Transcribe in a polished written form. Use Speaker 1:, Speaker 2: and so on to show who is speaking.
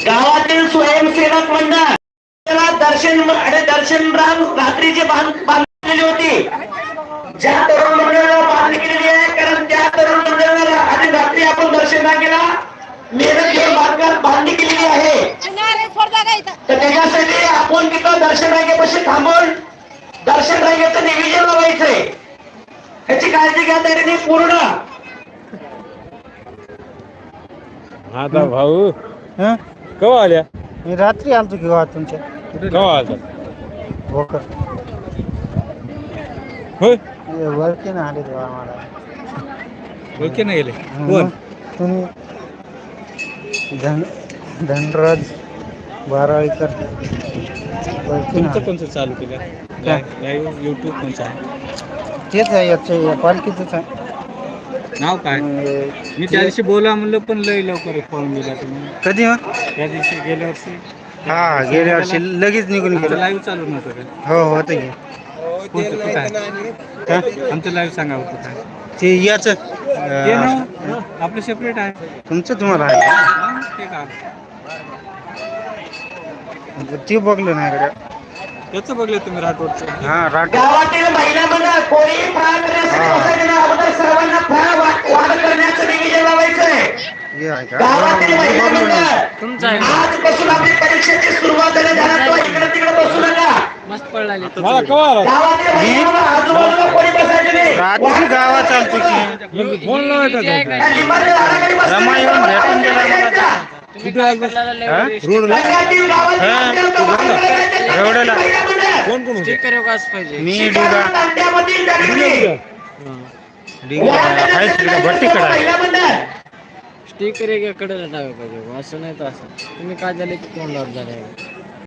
Speaker 1: गावातील स्वयंसेवक मंडळ त्याला दर्शन रात्रीची बांधलेली होती. ज्या तरुण मंडळाला बांधणी केलेली आहे, कारण त्या तरुण मंडळाला आणि रात्री आपण दर्शन केला मेहनत घेऊन बांधणी केलेली आहे. तर त्याच्यासाठी आपण तिथं दर्शन रांगेपाशी थांबून दर्शन रांगेचं नियोजन लावायचंय. ह्याची काळजी घ्या तरी पूर्ण.
Speaker 2: आता भाऊ केव्हा आल्या?
Speaker 3: मी रात्री आलतो की गावात तुमच्या.
Speaker 2: केव्हा आलता?
Speaker 3: भोकर
Speaker 2: होय
Speaker 3: वरती ना आले तेव्हा आम्हाला.
Speaker 2: ओळखी नाही गेले
Speaker 3: मग तुम्ही धनराज बाराळीकर
Speaker 2: तुमचं कोणतं चालू केलं? लाईव्ह युट्यूब कोणचं आहे?
Speaker 3: तेच आहे याचं पालखीचंच आहे.
Speaker 2: नाव काय? मी त्या दिवशी बोला म्हणलं पण लय लवकर पळून गेला तुम्ही.
Speaker 3: कधी हो?
Speaker 2: त्या दिवशी गेल्या वर्षी
Speaker 3: हा गेल्या वर्षी लगेच निघून गेलो.
Speaker 2: लाईव्ह चालू नव्हतं का?
Speaker 3: हो होतं की.
Speaker 2: कोणतं कुठं आहे? आमचं लाईव्ह सांगा होतं काय
Speaker 3: ते याच
Speaker 2: ते ना आपलं सेपरेट आहे.
Speaker 3: तुमचं तुम्हाला आहे
Speaker 2: हा, ते का
Speaker 3: ते बघलं नाही कडे.
Speaker 2: त्याचं बघलं तुम्ही राठोडचं.
Speaker 3: हा राठ
Speaker 1: गावातील महिला मंडळ कोणी फराळ करण्यासाठी अगोदर सर्वांना फराळ वाढ करण्याचं नियोजन लावायचंय.
Speaker 3: हे आहे का?
Speaker 1: गावातील महिला मंडळ आजपासून आपली परीक्षेची सुरुवात झाली. इकडे तिकडे बसू नका.
Speaker 2: मस्त पडला मला केव्हा आला?
Speaker 1: गावातील महिला मंडळ आजूबाजूला कोणी बसायचं नाही.
Speaker 3: रात्री गावात चालतो की
Speaker 2: फोन लावायचा का?
Speaker 1: या लिंबाच्या झाडाखाली बसायचं.
Speaker 3: रमा येऊन भेटून गेला मला.
Speaker 2: कुठे आला? रोडला?
Speaker 1: गावातील गावातील
Speaker 3: एवढ्याला
Speaker 2: कोण कोण होतं?
Speaker 3: मी डिगा
Speaker 1: दांड्यामधील दगडी.
Speaker 3: डिगा आहे तिकडे भट्टीकडे आहे.
Speaker 1: महिला मंडळ
Speaker 4: स्टिकर एकाकडे टाकायला पाहिजे असं नाही तर असं तुम्ही काय झालं की तोंडावर झालं